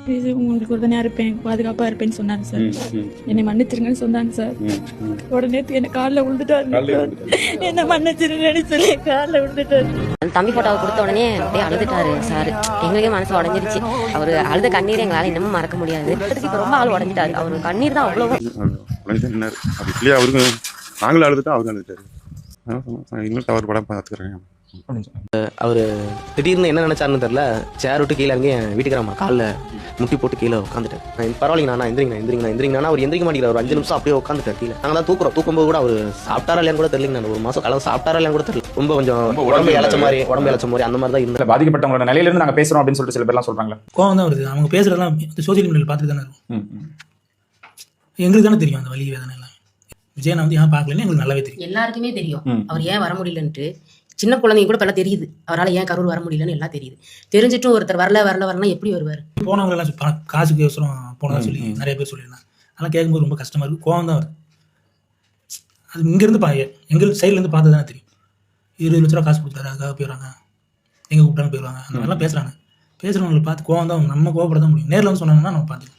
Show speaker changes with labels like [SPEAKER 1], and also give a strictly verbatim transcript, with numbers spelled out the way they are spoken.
[SPEAKER 1] இது உங்களுக்கு உடனே இருப்பேன், பாதுகாப்பா இருப்பேன்னு சொன்னாங்க சார். என்னை மன்னிச்சிருங்கன்னு சொன்னாங்க சார். உடனே என்ன காலில் விழுந்துட்டாரு, என்ன மன்னிச்சிருங்கன்னு சொல்லி காலில் விழுந்துட்டாரு.
[SPEAKER 2] தம்பி போட்டோவை கொடுத்த உடனே அப்படியே அழுதுட்டாரு சார். எங்களுக்கே மனசு உடஞ்சிருச்சு. அவரு அழுத கண்ணீர் எங்களால இன்னமும் மறக்க முடியாது. இப்ப ரொம்ப ஆள் உடஞ்சிட்டாரு. அவரு கண்ணீர் தான் அவ்வளவு.
[SPEAKER 3] அவருக்கு நாங்களும் அழுதுட்டா அவரு அழுதுட்டாரு. இன்னும் தவறு படம் பார்த்துக்கிறேன்.
[SPEAKER 4] அவர் திடீர்னு என்ன நினைச்சாருன்னு தெரியல, சேர் விட்டு கீழே இறங்கி என் வீட்டுக்காரம்மா காலில் முட்டி போட்டு கீழே உட்காந்துட்டேன். பரவாயில்லைங்க நான் எந்திரிங்க எந்திரிங்க எந்திரிங்கன்னா அவர் எந்திரிக்க மாட்டேங்கிறார். ஒரு அஞ்சு நிமிஷம் அப்படியே உட்காந்துட்டார் கீழே. நாங்கள் தான் தூக்குறோம். தூக்கும்போது கூட அவர் சாப்பிட்டாரா இல்லையான்னு கூட தெரியல. நான் ஒரு மாசம் கலந்து சாப்பிட்டாரா இல்லையான்னு கூட தெரியல. ரொம்ப கொஞ்சம் உடம்பு இழைச்ச மாதிரி உடம்பு இழைச்ச மாதிரி அந்த மாதிரி தான் இருந்தது.
[SPEAKER 5] பாதிக்கப்பட்டவங்களோட நிலையிலிருந்து நாங்கள் பேசுறோம் அப்படின்னு சொல்லிட்டு சில பேர்லாம் சொல்றாங்களா?
[SPEAKER 6] கோவம் தான் வருது. அவங்க பேசுறதெல்லாம் சோசியல் மீடியாவில் பார்த்துட்டு தானே இருக்கும். எங்களுக்கு தானே தெரியும் அந்த வலி வேதனை எல்லாம். விஜயனை வந்து ஏன் பார்க்கலன்னு எங்களுக்கு நல்லாவே தெரியும்.
[SPEAKER 2] எல்லாருக்குமே தெரியும் அவர் ஏன் வர முடியலன்ட்டு. சின்ன குழந்தைங்க கூட இப்பெல்லாம் தெரியுது அவரால் ஏன் கரூர் வர முடியலன்னு எல்லாம் தெரியுது. தெரிஞ்சிட்டும் ஒருத்தர் வரல வரல வரலாம் எப்படி வருவார்?
[SPEAKER 6] போனவங்க எல்லாம் காசுக்கு அவசரம் போனதா சொல்லி நிறைய பேர் சொல்லியிருந்தாங்க. அதெல்லாம் கேட்கும்போது ரொம்ப கஷ்டமா இருக்கு. கோவம் தான் வருது. அது இங்கேருந்து பா எங்கள் சைட்லேருந்து பார்த்து தானே தெரியும். இருபது லட்ச ரூபா காசு கொடுத்தாரு, அதுக்காக போயிடுவாங்க, எங்கே கூப்பிட்டாலும் போயிடுவாங்க, அந்த மாதிரிலாம் பேசுகிறாங்க. பேசுகிறவங்களை பார்த்து கோவம் தான். நம்ம கோவப்பட தான் முடியும். நேரில் வந்து சொன்னாங்கன்னா நம்ம பார்த்துக்கலாம்.